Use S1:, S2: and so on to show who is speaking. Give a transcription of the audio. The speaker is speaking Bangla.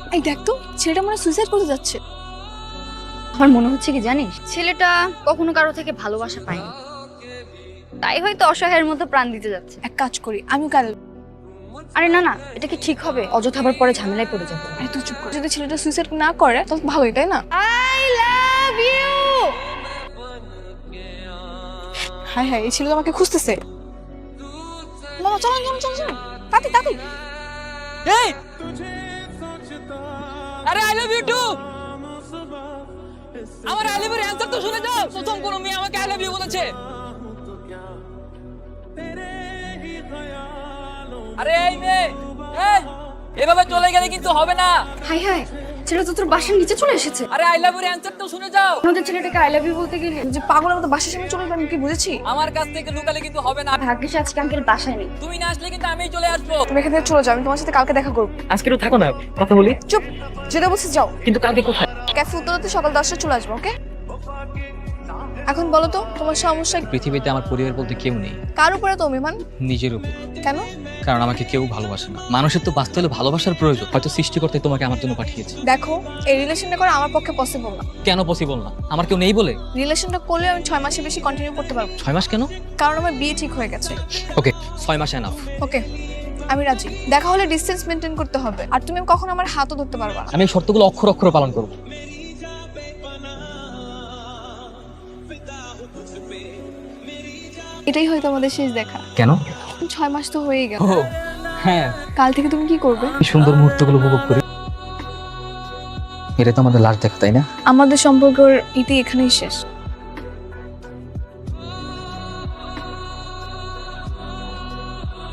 S1: এই দেখ তো, ছেলেটা মনে সুইসাইড করতে যাচ্ছে।
S2: আমার মনে হচ্ছে কি জানিস, ছেলেটা কখনো কারো থেকে ভালোবাসা পায়নি, তাই হয়তো অসহায়ের মতো প্রাণ দিতে যাচ্ছে।
S1: এক কাজ করি, আমিও কাল।
S2: আরে না না, এটা কি ঠিক হবে? অযথা আবার পরে ঝামেলায় পড়ে যাবো।
S1: আরে তুই চুপ কর, যদি ছেলেটা সুইসাইড না করে তাহলে ভালোই, তাই না?
S2: I love you.
S1: হ্যাঁ হ্যাঁ, এই ছেলে তো আমাকে খুঁজতেছে। মামা চলো চলো চলো চলো, তাড়াতাড়ি তাড়াতাড়ি।
S3: এই আরে আই লাভ ইউ টু। আমার আই লাভ ইউর অ্যানসার তো শুনে যাও। প্রথম কোন মেয়ে আমাকে আই লাভ ইউ বলেছে? আরে এই মেয়ে, এই এভাবে চলে গেলে কিন্তু হবে না।
S2: হাই হাই, ছেলেটা তো তোর বাসার নিচে চলে এসেছে।
S3: আরে আই লাভ ইউর অ্যানসার তো শুনে যাও।
S2: আমাদের ছেলেটাকে আই লাভ ইউ বলতে গেলে
S1: যে পাগলের মতো বাসার সামনে চলে যাবে, আমি কি বুঝেছি?
S3: আমার কাছ থেকে লুকালে কিন্তু হবে না।
S2: ভাগ্যিস আজকে আঙ্কেল বাসায় নেই।
S3: তুমি না আসলে কিন্তু আমিই চলে আসবো।
S1: তুমি এখান থেকে চলে যাও, আমি তোমার সাথে কালকে দেখা করবো।
S4: আজকে একটু থাকো না, কথা বলি।
S1: চুপ, যেটা বলছিস যাও।
S4: কিন্তু কালকে কোথায়?
S1: ক্যাফে উত্তরাতে সকাল 10টায় চলে আসবো, ওকে? এখন বলো তো তোমার সমস্যা কি?
S5: পৃথিবীতে আমার পরিবার বলতে কেউ নেই,
S1: কার উপরে তো অভিমান?
S5: নিজের উপর।
S1: কেন?
S5: কারণ আমাকে কেউ ভালোবাসে না। মানুষের তো বাঁচতে হলে ভালোবাসার প্রয়োজন, হয়তো সৃষ্টিকর্তাই তোমাকে আমার জন্য পাঠিয়েছে।
S1: দেখো, এই রিলেশনটা করা আমার পক্ষে পসিবল না।
S5: কেন পসিবল না? আমার কেউ নেই বলে?
S1: রিলেশনটা করলে আমি 6 মাসের বেশি কন্টিনিউ করতে পারবো না।
S5: 6 মাস কেন?
S1: কারণ আমার বিয়ে ঠিক হয়ে গেছে।
S5: ওকে, 6 মাস এনাফ।
S1: ওকে, আমি রাজি। দেখা হলে ডিসটেন্স মেনটেন করতে হবে, আর তুমি কখনো আমার হাতও ধরতে পারবা না।
S5: আমি এই শর্তগুলো অক্ষর অক্ষর পালন করব।
S1: এটাই হয়তো আমাদের শেষ দেখা।
S5: কেন?
S1: 6 মাস তো হয়েই গেল।
S5: ও হ্যাঁ,
S1: কাল থেকে তুমি কি করবে?
S5: এই সুন্দর মুহূর্তগুলো উপভোগ করি। এটা তো আমাদের লাস্ট দেখা, তাই না?
S1: আমাদের সম্পর্কের ইতি এখানেই শেষ।